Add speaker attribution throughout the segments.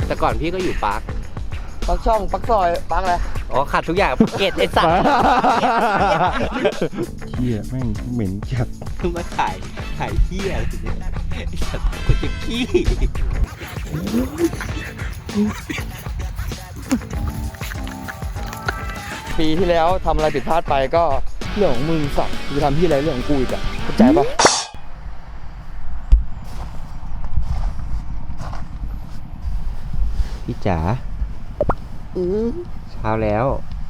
Speaker 1: แต่ก่อนพี่ก็อยู่ปาร์ค
Speaker 2: ปักช่องปักซอยปักอะไร
Speaker 1: อ๋อขัดทุกอย่างเกตไอ้สัตว์
Speaker 3: เหี้ยแม่งเหม็นจัด
Speaker 1: มาถ่ายเหี้ยอะไรเนี่ยไอ้สัตว์กูจะขี้
Speaker 2: ปีที่แล้วทำอะไรผิดพลาดไปก็เรื่องของมึงสัตว์กูทำที่อะไรเรื่องของกูอีกอะเข้าใจปะ
Speaker 1: พี่จ๋าเช้าแล้ว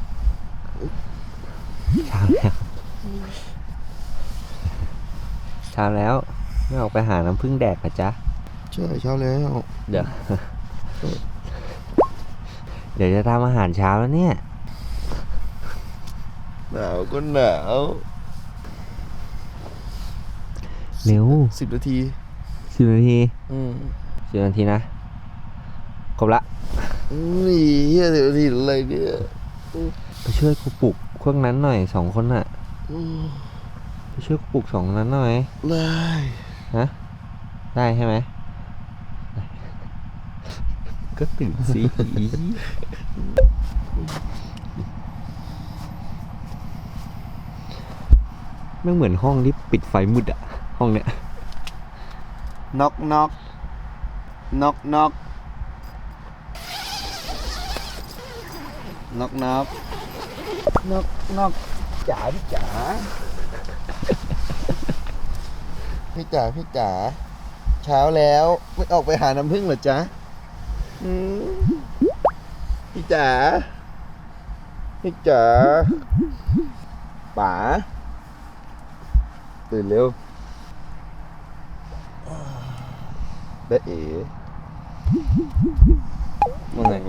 Speaker 1: ไม่ออกไปหาน้ำผึ้งแดกเหรอจ๊ะ
Speaker 2: ใช่เช้าแล้ว
Speaker 1: เดี๋ยวจะทำอาหารเช้าแล้วเนี่ย
Speaker 2: หนาวก็หนาว
Speaker 1: เร็ว
Speaker 2: 10 นาที
Speaker 1: 10 นาที
Speaker 2: 10
Speaker 1: นาทีนะครบละ
Speaker 2: นี่เฮีย10 นาทีอะไรเนี่ย
Speaker 1: ไปช่วยกูปลุกพวกนั้นหน่อย2 คนน่ะไปช่วยกูปลุก2 คนนั้นหน่อย
Speaker 2: ได้
Speaker 1: ฮะได้ใช่ไหมก็ตื่นสิไม่เหมือนห้องที่ปิดไฟมืดอะห้องเนี้ย
Speaker 2: น็อกน็อกน็อกน็อกน็อกน็อกน็อกน็อกจ๋าพี่จ๋าพี่จ๋าพี่จ๋าเช้าแล้วไม่ออกไปหาน้ำผึ้งเหรอจ๊ะพี่จ๋าพี่จ๋าป๋าตื่นเร็วได้เอ๋มึงไง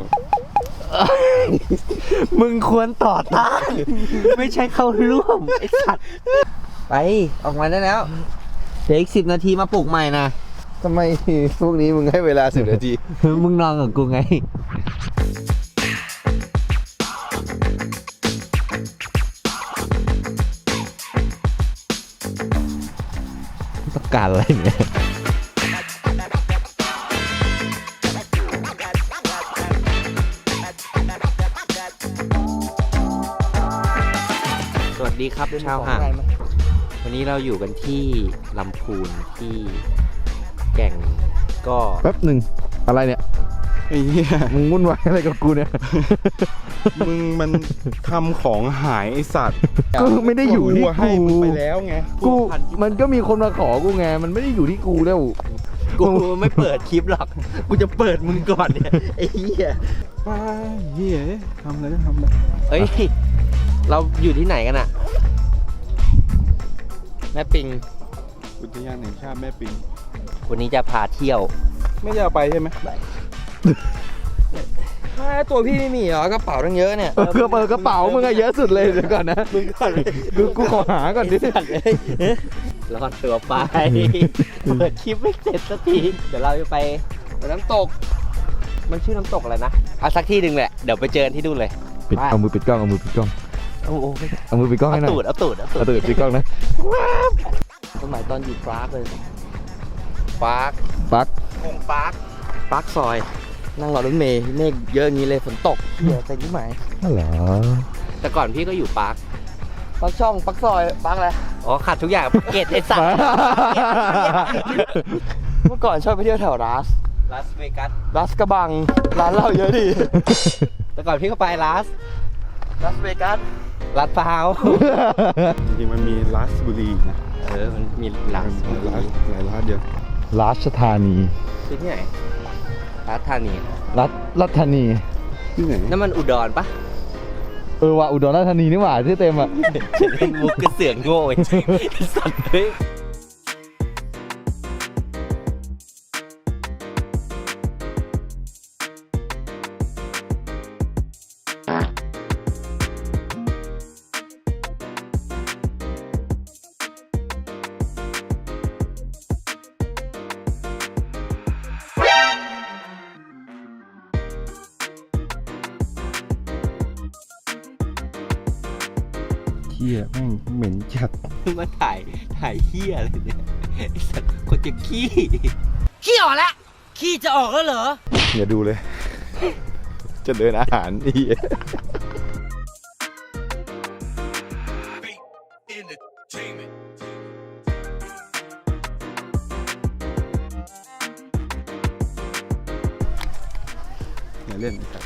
Speaker 1: มึงควรต่อต้าน ไม่ใช่เข้าร่วมไอ้สัตว์ไปออกมาได้แล้วเดี๋ยวอีก10 นาทีมาปลุกใหม่นะ
Speaker 2: ทำไมพวกนี้มึงให้เวลา10 นาที
Speaker 1: มึงนอนกับกูไงต้องการอะไรเนี่ยสวัสดีครับชาวห่างวันนี้เราอยู่กันที่ลำพูนที่แก่งก็
Speaker 2: แป๊บหนึ่งอะไรเนี่ย
Speaker 3: ไอ้เหี้ย
Speaker 2: มึงวุ่นวายอะไรกับกูเนี่ย
Speaker 3: มึงมันทำของหายไอสัตว์
Speaker 2: ก็ไม่ได้อยู่ที่
Speaker 3: ให้มึง
Speaker 2: กู
Speaker 3: ไปแล้วไง
Speaker 2: กูมันก็มีคนมาขอกูไงมันไม่ได้อยู่ที่กูแล้ว
Speaker 1: กูไม่เปิดคลิปหรอก กูจะเปิดมึงก่อนเนี่ยไอ้เหี้ย
Speaker 3: ป้าเหี้ยทำอะไรก็ทำเลย
Speaker 1: เอ้ยเราอยู่ที่ไหนกันอะแม่ปิง
Speaker 3: อุทยานแห่งชาติแม่ปิง
Speaker 1: วันนี้จะพาเที่ยว
Speaker 3: ไม่จะเอาไปใช่ไหม
Speaker 2: ตัวพี่ไม่มีเหรอกระเป๋าตั้งเยอะเนี่ยกระเป๋ามึงอะเยอะสุดเลยเดี๋ยวก่อนนะ
Speaker 1: มึงก่อนเลย
Speaker 2: กูขอหาก่อนดิ
Speaker 1: รอดตัวไป เปิดคลิปไม่เสร็จสักที เดี๋ยวเราจะไปน้ำตก มันชื่อน้ำตกอะไรนะเอาสักที่หนึ่งแหละ เดี๋ยวไปเจอที่นู่นเลย
Speaker 2: ปิดเอามือปิดกล้องเอามือปิดกล้อง
Speaker 1: โอ้โห
Speaker 2: เอามือปิดกล้องให้หน่อย
Speaker 1: เอาตูด
Speaker 2: เอาตูดปิดกล้องนะสมัยตอนอยู่ปาร์คเลย
Speaker 1: ปาร์ค
Speaker 2: ปาร์ค
Speaker 1: คงปาร์ค
Speaker 2: ปาร์คซอย นั่งรอรถเมล์เมฆเยอะอย่างนี้เลยฝนตกเหี้ยใจยิ่งไหม
Speaker 3: นั่นเหรอ
Speaker 1: แต่ก่อนพี่ก็อยู่ปาร์ค
Speaker 2: ปักช่องปักซอยปักอะไร
Speaker 1: อ๋อขัดทุกอย่างเกตไอ้สัตว์
Speaker 2: เมื่อก่อนชอบไปเที่ยวแถวรัส
Speaker 1: ลาสเวกัส
Speaker 2: รัสกระบังร้านเหล้าเยอะดี
Speaker 1: แต่ก่อนพี่ก็ไปลาส
Speaker 2: รัสเวกัส
Speaker 1: ลาดพร้าว
Speaker 3: จริงๆมันมีลาสบุรีนะ
Speaker 1: มันมีลาส
Speaker 3: หลายร้านเดียว
Speaker 2: ราชธานี
Speaker 1: คือที่ไหนลาดธานี
Speaker 2: รัฐธานี
Speaker 3: ที่ไหน
Speaker 1: นั่นมันอุดรปะ
Speaker 2: ว่ะอุดรราชธานีนี่หว่าที่เต็มอ่ะ
Speaker 1: เล่นมุกกระเสือกโง่ไอ้สัตว์เฮ้ย
Speaker 3: เหี้ยแม่งเหม็นจัด
Speaker 1: มาถ่ายเหี้ยอะไรเนี่ยไอ้สัตว์คนจะขี้
Speaker 4: ขี้ออกแล้วขี้จะออกแล้วเหรอ
Speaker 3: อย่าดูเลยจะเดินอาหารอีอย่าเล่นครับ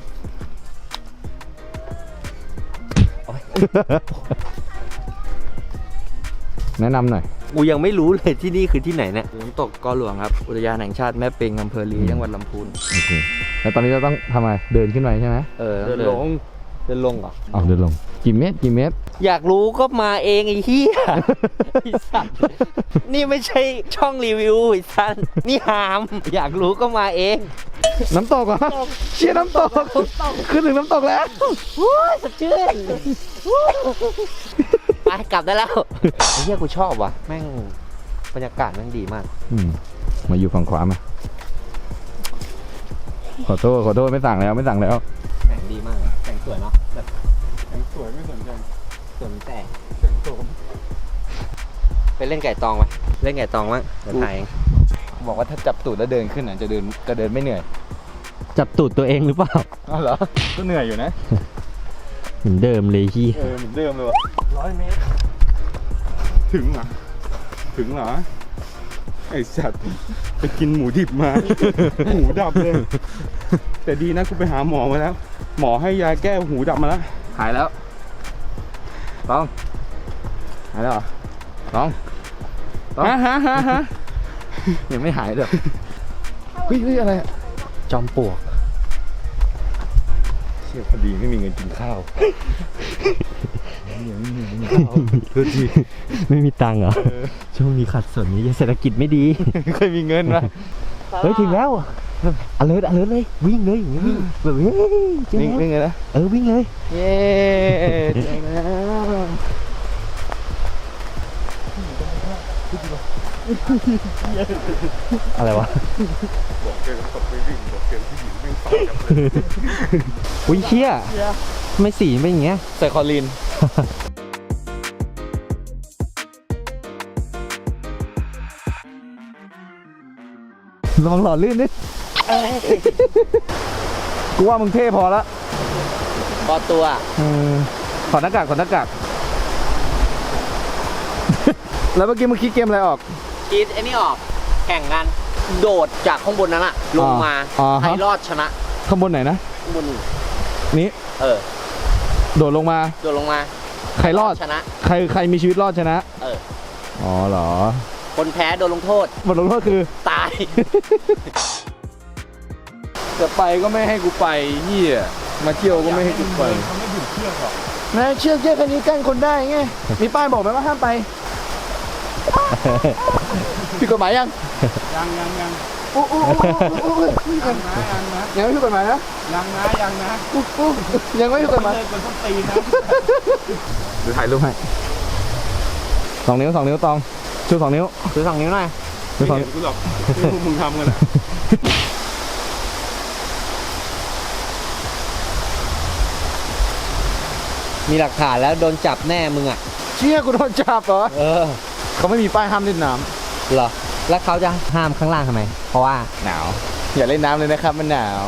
Speaker 4: แนะนำหน่อย
Speaker 1: กูยังไม่รู้เลยที่นี่คือที่ไหนเนี่ย
Speaker 2: น้ำตกกอหลวงครับ อุทยานแห่งชาติแม่ปิงอำเภอลีจังหวัดลำพูน
Speaker 4: โอเค แล้วตอนนี้เราต้องทำอะไร เดินขึ้นไปใช่ไหม
Speaker 1: เดินลงเหรอ
Speaker 4: เอาเดินลง กี่เมตร กี่เมตร
Speaker 1: อยากรู้ก็มาเองไอ้เหี้ย ไอ้สัตว์นี่ไม่ใช่ช่องรีวิวไอ้สัตว์นี่หาม อยากรู้ก็มาเอง
Speaker 4: น้ำตกเหรอเชี่ยน้ำตก ขึ้นถึงน้ำตกแล้ว
Speaker 1: ว้าสดชื่นไปกลับได้แล้วไอ้เหี้ยกูชอบว่ะแม่งบรรยากาศแม่งดีมาก
Speaker 4: มาอยู่ฝั่งขวามา ขอโทษ ไม่สั่งแล้ว
Speaker 1: แสงดีมากแสงสวยเนาะแบบแสงสวยไม่สนใจสนแต่แสงสมไปเล่นไก่ตองไหมเล่นไก่ตองมั้งเดี๋ยวถ่ายเอง
Speaker 2: บอกว่าถ้าจับตูดแล้วเดินขึ้นอ่ะจะเดินไม่เหนื่อย
Speaker 4: จับตูดตัวเองหรือเปล่า
Speaker 2: อ้าวเหรอ ก็เหนื่อยอยู่นะ
Speaker 4: เหมือนเดิมเลยที่
Speaker 2: เหมือนเดิมเลยวะ
Speaker 1: 100 เมตร
Speaker 3: ถึงเหรอ ถึงเหรอ ไอ้สัตว์ไปกินหมูดิบมา หูดับเลย แต่ดีนะกูไปหาหมอมาแล้ว หมอให้ยาแก้หูดับมาแล้ว
Speaker 2: หายแล้วต้องหายแล้วเหรอต้อง
Speaker 3: ฮะ
Speaker 2: ยังไม่หายเลยเฮ้ยอะไรอะ
Speaker 1: จอมปลวก
Speaker 3: เชี่ยพอดีไม่มีเงินกินข้าว
Speaker 4: ไม่มีตังค์เหรอ ช่วงนี้ขัดสนนี้เศรษฐกิจไม่ดี
Speaker 2: ไม่เคยมีเงินมา
Speaker 4: เฮ้ย ถึงแล้วalert เลย วิ่งเลยอย่างนี้วิ่งแบบเฮ้ยเจ๊ง
Speaker 2: วิ่งเลยนะ
Speaker 4: วิ่งเลย
Speaker 2: เย้เจ๋งแล้ว
Speaker 4: อะไรวะ
Speaker 3: บอกเกมตกไปวิ่งบอกเกมผู้หญิงไม่ต่อจับเลย
Speaker 4: อุ้ยเชี่ยไม่สีเป็นอย่างเงี้ย
Speaker 2: ใส่คอลีน
Speaker 4: ระวังหล่อลื่นดิกูว่ามึงเท่พอละ
Speaker 1: พอตัว
Speaker 4: ถอดหน้ากาก แล้วเมื่อกี้มึงคิดเกมอะไรออก
Speaker 1: คิดไอ้นี่ออก แข่งกัน โดดจากข้างบนนั้นอะลงมา ใครรอดชนะ
Speaker 4: ข้างบนไหนนะ
Speaker 1: ข้างบนนี่
Speaker 4: นี้ โดดลงมา
Speaker 1: โดดลงมา
Speaker 4: ใครรอด
Speaker 1: ชนะ
Speaker 4: ใครมีชีวิตรอดชนะ อ๋อเหรอ
Speaker 1: คนแพ้โดนลงโทษ
Speaker 4: บทลงโทษคือ
Speaker 1: ตาย
Speaker 2: จะไปก็ไม่ให้กูไปเหี้ยมาเที่ยวก็ไม่ให้กูไปนายเชือกแค่นี้กั้นคนได้ไง มีป้ายบอกไหมว่าห้ามไปผิดกฎหมายยัง
Speaker 3: ยัง
Speaker 2: อู้ยังไม่ผิดกฎหมายนะ
Speaker 3: ยังนะ
Speaker 2: ยังไม่ผิดกฎหมาย
Speaker 3: เลยคนต้องตีนะ
Speaker 4: เดี๋ยวถ่ายรูปให้2 นิ้วตองชู2 นิ้ว
Speaker 1: ซื้อ2 นิ้วหน่อย
Speaker 4: ชู
Speaker 3: ไม่
Speaker 4: 2
Speaker 3: เห็นกูหรอกที่พวกมึงทำกันอะ
Speaker 1: มีหลักฐานแล้วโดนจับแน่มึงอ่ะ
Speaker 2: เชี่ยกูโดนจับเหรอ เขาไม่มีป้ายห้ามเล่นน้
Speaker 1: เหรอ แล้วเขาจะห้ามข้างล่างทำไม เพราะว่า
Speaker 2: ำหนาว อย่าเล่นน้ำเลยนะครับมันหนาว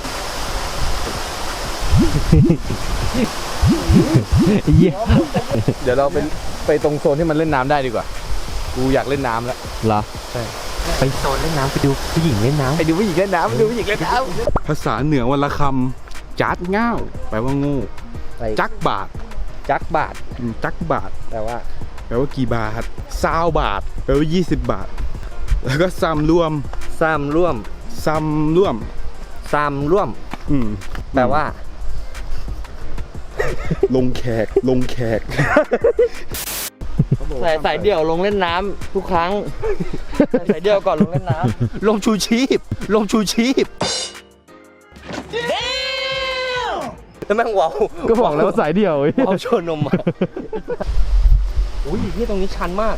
Speaker 4: เยี่ย
Speaker 2: เดี๋ยวเราไปตรงโซนที่มันเล่นน้ำได้ดีกว่า กูอยากเล่นน้ำแล้ว
Speaker 4: เหรอ
Speaker 2: ใช่
Speaker 4: ไปโซนเล่นน้ำไปดูผู้หญิงเล่นน้ำ
Speaker 2: ไปดูผู้หญิงเล่นน้ำไปดูผู้หญิงเล่นน้ำ
Speaker 3: ภาษาเหนือวันละคำจัดง่าวแปลว่าโง่จักบาท
Speaker 1: จักบาท
Speaker 3: จักบาท
Speaker 1: แต่ว่า
Speaker 3: แปลว่ากี่บาท20 บาทแปลว่า20 บาท แล้วก็ซ้ำร่วม
Speaker 1: ซ้ำร่วม แปลว่า
Speaker 3: ลงแขก
Speaker 2: สายเดี่ยวลงเล่นน้ำทุกครั้งสายเดี่ยวก่อนลงเล่นน้ำ
Speaker 1: ลงชูชีพแล้วแม่งว้าว
Speaker 4: ก็บอกแล้วว่าสายเดี่ยว
Speaker 1: ว้าวโชว์นมอ่ะอุ้ยที่ตรงนี้ชันมาก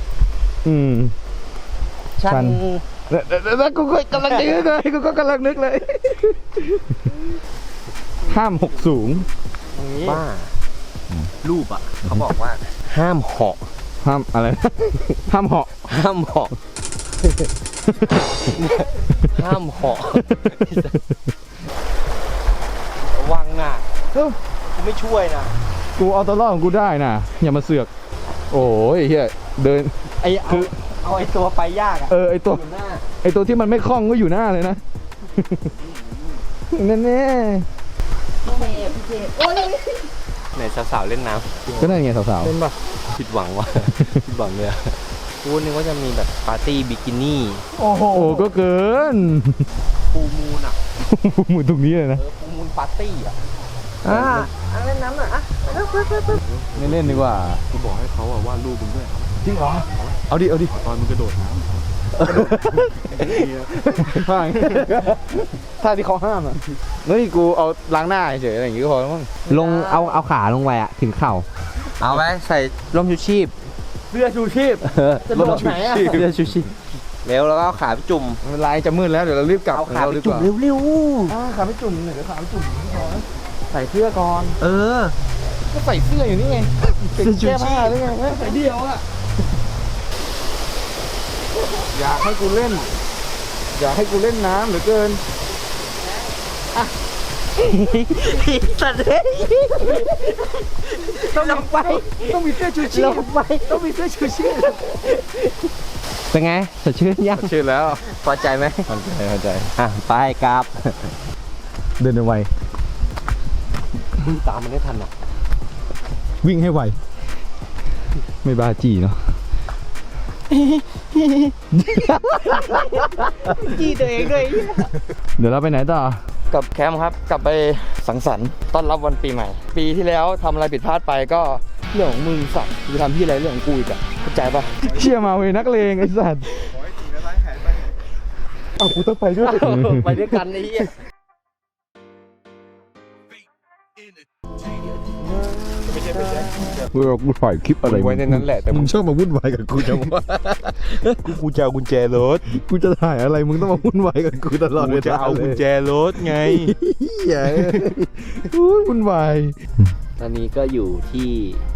Speaker 1: ชั
Speaker 4: ชั
Speaker 1: น
Speaker 4: น แล้วกูก็กำลังนึกเลย ห้ามหกสูง
Speaker 1: บ้า รูปอ่ะ เขาบอกว่า ห้ามเหาะ
Speaker 4: ห้ามอะไร ห้ามเหาะ
Speaker 1: ห้ามเหาะ ห้ามเหาะกูไม่ช่วยนะ
Speaker 4: กูเอาตัวรอดของกูได้นะอย่ามาเสือก โอ้ยเฮียเดิน
Speaker 1: เอาไอ้ตัวไปยากอะ
Speaker 4: ไอตัว
Speaker 1: อยู่หน้า
Speaker 4: ไอตัวที่มันไม่คล่องก็อยู่หน้าเลยนะ แน่
Speaker 1: ไหนสาวๆเล่นน้
Speaker 4: ๆก็นั่นไงสาว
Speaker 1: ำเล่นปะผิดหวังว่ะ ผิดหวังเลยอะกูนึกว่าจะมีแบบปาร์ตี้บิกินี่
Speaker 4: ๆ โอ้โหก็เกิน
Speaker 1: ฟูมูนอะ
Speaker 4: หมุนตรงนี้เลยนะ
Speaker 1: ฟูมูนปาร์ตี้อะ
Speaker 2: เล่นน้ำหน่อยอ่ะ
Speaker 4: ไม่เล่นดีกว่า
Speaker 3: กูบอกให้เขาวาดรูปมึงด้วย
Speaker 4: จริงเหรอ เอาดิ เอาดิ
Speaker 3: ตอนมึงกระโดดน้ำ
Speaker 4: ฟังท่าที่เขาห้ามอ่ะเฮ้ยกูเอาล้างหน้าเฉยอะไรอย่างงี้ก็พอแล้วมั้ง
Speaker 1: ลงเอาขาลงไปอะถึงเข่า เอาไว้ใส่ร่มชูชีพ
Speaker 2: เสื้อชูชีพ จะโดดไหนอ่ะ
Speaker 1: เสื้อชูชีพเร็วแล้วก็เอาขาไปจุ่ม
Speaker 4: เวลาจะมืดแล้วเดี๋ยวเรารีบกลับ
Speaker 1: เอาขาไป
Speaker 4: ดีก
Speaker 1: จุ่ม
Speaker 4: ว่า
Speaker 1: เร็ว
Speaker 4: ขาไม่จุ่มเดี๋ยวขาไม่จุ่มใส่เสื้อก่อน
Speaker 1: ๆเออ
Speaker 4: ก็ใส่เสื้ออยู่นี่ไง
Speaker 1: เสื้อชูชีพ
Speaker 4: แก้ผ้าหรือไงใส่เดี่ยวอ่ะอยากให้กูเล่น อยากให้กูเล่นน้ำเหลือเกิน
Speaker 1: สัตว์เลยต้องลงไป
Speaker 4: ต้องมีเสื้อชูชี
Speaker 1: ล
Speaker 4: พ
Speaker 1: งไป
Speaker 4: ต้องมีเสื้อชูชีพ
Speaker 1: เป็นไงสดชื่นยัง
Speaker 4: ชื่อแล้ว
Speaker 1: พอใจไหม
Speaker 4: เข้าใจ
Speaker 1: อ่ะไปกราบ
Speaker 4: เดินไว
Speaker 1: ตามมันได้ทันอ่ะ
Speaker 4: วิ่งให้ไวไม่บ้าจี้เนาะ
Speaker 1: จี้ตัวเองด้วย
Speaker 4: เดี๋ยวเราไปไหนต่อ
Speaker 2: กับแคมป์ครับ กลับไปสังสรรค์ต้อนรับวันปีใหม่ ปีที่แล้วทำอะไรผิดพลาดไปก็เรื่องของมึงสัตว์จะทำที่อะไรเรื่องของกูอีกอะเข้าใจปะ
Speaker 4: เชี่ยมาเวยนักเลงไอ้สัตว์
Speaker 2: เอากูต้องไปด้วย
Speaker 1: ไปด้วยกันไอ้เหี้ย
Speaker 4: กูถ่ายคลิปอะไร
Speaker 3: ไว้ในนั้นแหละแต่
Speaker 4: มึงชอบมาวุ่นวายกับกูจังวะ
Speaker 3: กูจะเอากุญแจรถ
Speaker 4: กูจะถ่ายอะไรมึงต้องมาวุ่นวายกับกูตลอด
Speaker 3: กู
Speaker 4: เว
Speaker 3: จะ
Speaker 4: ลา
Speaker 3: เอากุญแจรถไง
Speaker 4: เหี้ยอุ๊ยวุ่นวาย
Speaker 1: ตอนนี้ก็อยู่ที่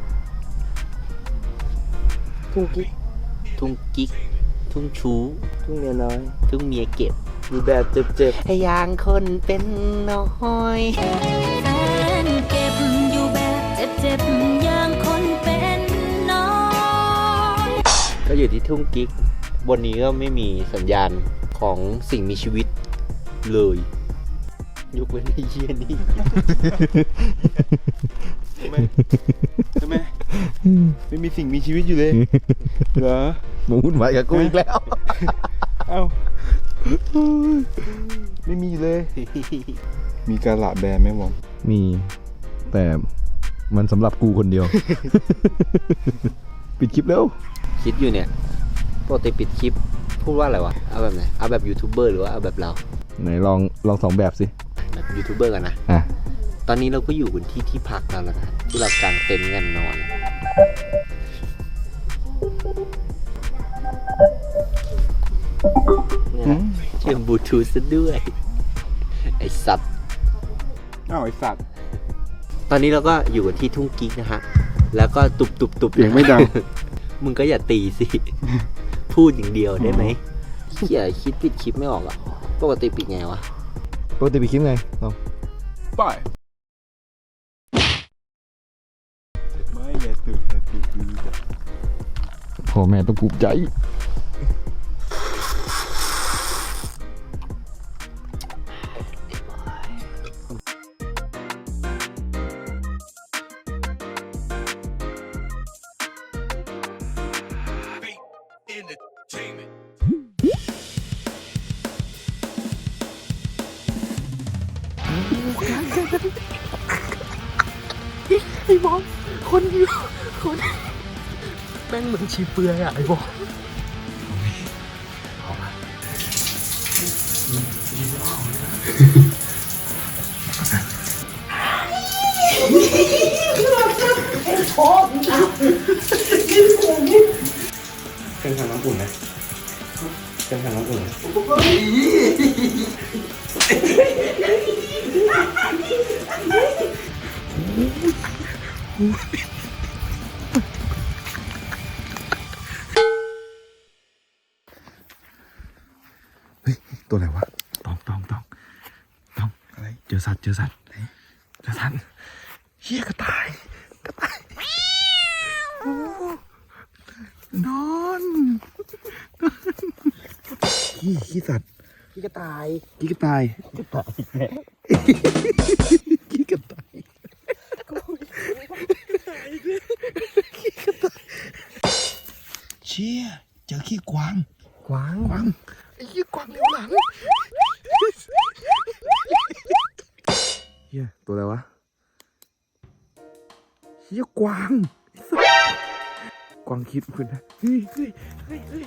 Speaker 1: ทุ่งกิ๊กทุ่งชู้
Speaker 2: ทุ่งเมียน้อย
Speaker 1: ทุ่งเมียเก็บ
Speaker 2: มีแบบเจ็บ
Speaker 1: ให้ยางคนเป็นน้อย
Speaker 5: แฟนเก็บอยู่แบบเจ็บๆอย่างคนเป็นน้อย
Speaker 1: ก็อยู่ที่ทุ่งกิ๊กบนนี้ก็ไม่มีสัญญาณของสิ่งมีชีวิตเลยยกเว้นไอ้เหี้ยนี่
Speaker 3: ใช่ไหมไม่มีสิ่งมีชีวิตอยู่เลย เหรอ
Speaker 4: มึงวุ่นวายกับกูอีกแล้ว
Speaker 3: เอ้าไม่มีเลย มีการละแบร์ไหมวอม
Speaker 4: มี แต่มันสำหรับกูคนเดียว ปิดคลิปแล้ว
Speaker 1: คิดอยู่เนี่ยปกติปิดคลิปพูดว่าอะไรวะ เอาแบบไหน เอาแบบยูทูบเบอร์หรือว่าเอาแบบเรา
Speaker 4: ไหนลองสองแบบสิ
Speaker 1: แบบยูทูบเบอร์กันนะ
Speaker 4: อ่ะ
Speaker 1: ตอนนี้เราก็อยู่บนที่พักแล้วนะครับที่เรากางเต็นท์กันนอนเนี่ยเชื่อมบลูทูธซะด้วย ไอสัตว์
Speaker 3: อ้าวไอสัตว์
Speaker 1: ตอนนี้เราก็อยู่กันที่ทุ่งกิ๊กนะฮะ แล้วก็ตุบ
Speaker 3: เสียงไม่ดัง
Speaker 1: มึงก็อย่าตีสิ พูดอย่างเดียวได้ไหมเขี่ยคิดปิดคลิปไม่ออกอ่ะ ปกติปิดไงวะ
Speaker 4: ปกติปิดคลิปไงลอง
Speaker 3: ไปไม่อย่าตื่นอย่าตื่นดูจ้ะ
Speaker 4: พ่อแม่ต้องภูมิใจ
Speaker 1: แม่งเหมือนชีเปลือยอ่ะไอ้บอก
Speaker 3: เป็นทางน้ำอุ่นนะเป็นทางน้ำอุ่นนะ
Speaker 4: ตัวอะไรวะตองอะไรเจอสัตว์ทันเฮียกระต่ายโอ้นอนขี้สัตว์
Speaker 1: พี่กระต่าย
Speaker 4: ขี้กระต่ายขี้กระต่ายเชี่ยเจอขี้กวางไอ้ขี้กวางเลี้ยวหลังเฮียตัวอะไรวะเฮียกวางกวางคิดคุณนะเฮ้ย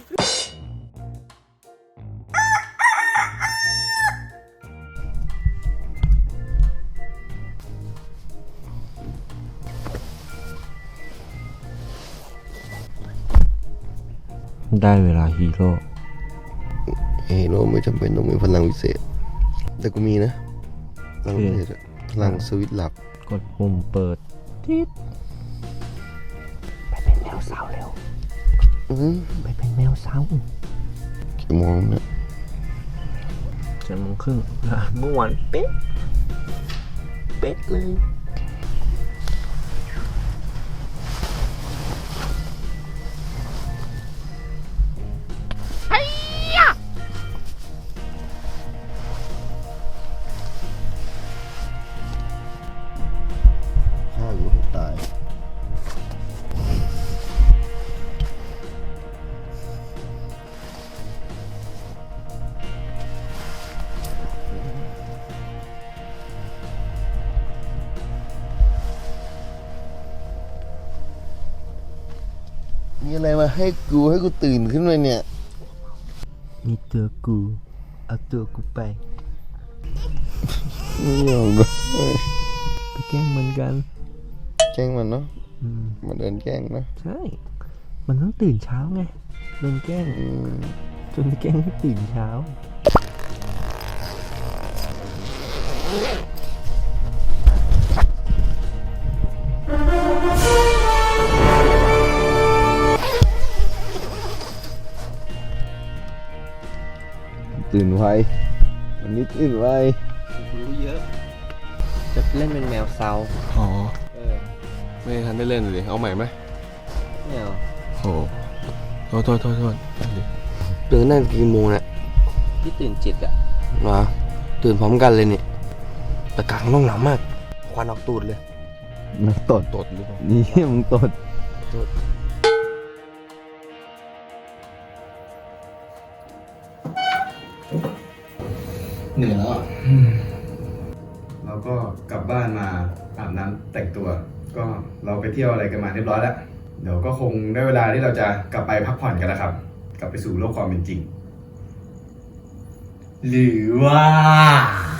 Speaker 1: ได้เวลาฮีโร่
Speaker 6: ฮีโร่ไม่จำเป็นต้องมีพลังวิเศษ แต่กูมีนะพลังวิเศษอะพลังสวิตช์หลับ
Speaker 1: กดปุ่มเปิดทิศไปเป็นแมวสาวเร็ว ไปเป็นแมวสาว
Speaker 6: กี่โมงเนี่ย
Speaker 1: 7:30เมื่อวานเป๊ะเลย
Speaker 6: ฆ่าอยู่ให้ตาย มีอะไรมาให้กูตื่นขึ้นมาเนี่ย
Speaker 1: มีตัวกูเอาตัวกูไป
Speaker 6: ไม่ยอมเลย
Speaker 1: ไปแกล้งมันกัน
Speaker 6: แกล้งมันเนาะมันเดินแกล้งนะ
Speaker 1: ใช่ มันต้องตื่นเช้าไงโดนแกล้งจนแกล้งให้ตื่นเช้า
Speaker 6: ตื่นไววันนี้ตื่นไว
Speaker 1: รู้เยอะ จะเล่นเป็นแมวเซา
Speaker 2: อ๋อ
Speaker 6: ไม่ทันได้เล่นเลยเอาใหม่ไหม
Speaker 1: แมว
Speaker 6: โอ้โทษตื่นนั่นกี่โมงเนี่ย
Speaker 1: ที่ตื่นจิตอะ
Speaker 6: มาตื่นพร้อมกันเลยเนี่ยแต่กลางห้องหนาวมากควันออกตูดเลย
Speaker 4: มึงตด
Speaker 6: ตดหรือเปล่า
Speaker 4: นี่มึงตด
Speaker 3: เหนื่อยแล้วเราก็กลับบ้านมาอาบน้ำแต่งตัว ก็เราไปเที่ยวอะไรกันมาเรียบร้อยแล้ว เดี๋ยวก็คงได้เวลาที่เราจะกลับไปพักผ่อนกันแล้วครับ กลับไปสู่โลกความเป็นจริง หรือว่า